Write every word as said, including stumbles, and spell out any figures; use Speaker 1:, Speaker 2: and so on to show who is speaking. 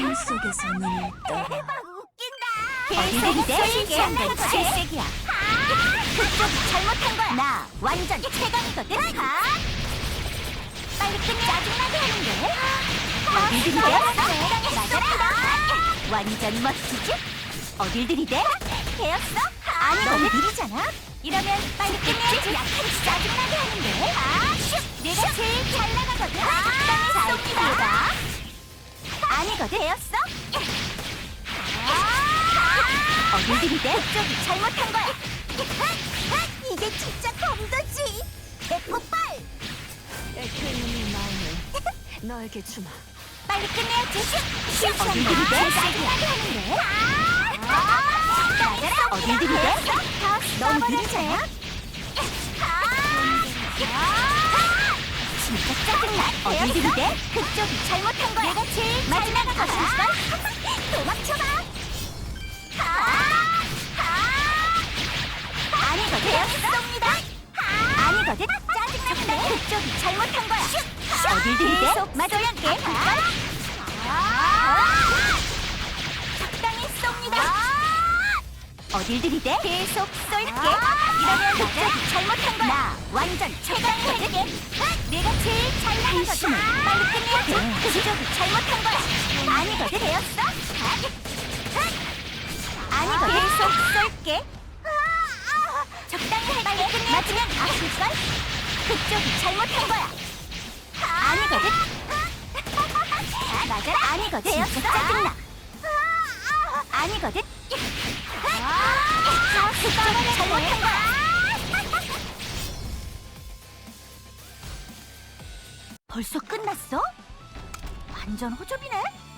Speaker 1: 어둠 속에서 눈을 떠.
Speaker 2: 대박 웃긴다.
Speaker 3: 어디들이 내
Speaker 2: 실시한 건
Speaker 3: 실시한
Speaker 2: 실색이야. 그쪽이 잘못한 거야. 나 완전 최강이거든. 아! 빨리 끝내. 짜증나게 하는데.
Speaker 3: 어디들이 내
Speaker 2: 맞아라. 완전 멋지지?
Speaker 3: 어딜 들이대?
Speaker 2: 되었어? 아니 너무 느리잖아. 이러면 빨리 끝내야지. 약한 짜증나게 하는데. 아, 슉. 내가 제일 잘 나가거든. 잘 쏩니다. 아니거든. 되었어?
Speaker 3: 어딜 들이대?
Speaker 2: 그쪽이 잘못한 거야. 이게 진짜 검도지. 대폭발.
Speaker 1: 에크의 마음을 너에게 주마.
Speaker 2: 빨리 끝내야지. 슉. 슉.
Speaker 3: 어딜 들이대?
Speaker 2: 짜증나게 하는데. 아,
Speaker 3: 어딜 들이대?
Speaker 2: 너무 느리잖아. 진짜 짜증나.
Speaker 3: 어딜 들이대?
Speaker 2: 그쪽이 잘못한 거야. 내가 제일 마지막 것일걸? 도망쳐봐. 아니거든. 되었습니다. 아니거든. 짜증나는데. 그쪽이 잘못한 거야.
Speaker 3: 어딜 들이대?
Speaker 2: 계속 맞을게. 적당히 쏩니다.
Speaker 3: 어딜 들이대?
Speaker 2: 계속 쏠게. 이러면 그쪽이 잘못한 거야. 나 완전 최강이거든. 내가 제일 잘 나가거든. 빨리 끝내야지. 그쪽이 잘못한 거야. 아니거든. 되었어? 아니거든. 계속 쏠게. 적당히 해. 빨리 끝내야지. 아실걸? 그쪽이 잘못한 거야. 아니거든. 맞아라. 아니거든. 되었어. 짜증나. 아니거든. 그쪽이 잘못한 거야. 벌써 끝났어? 완전 호접이네.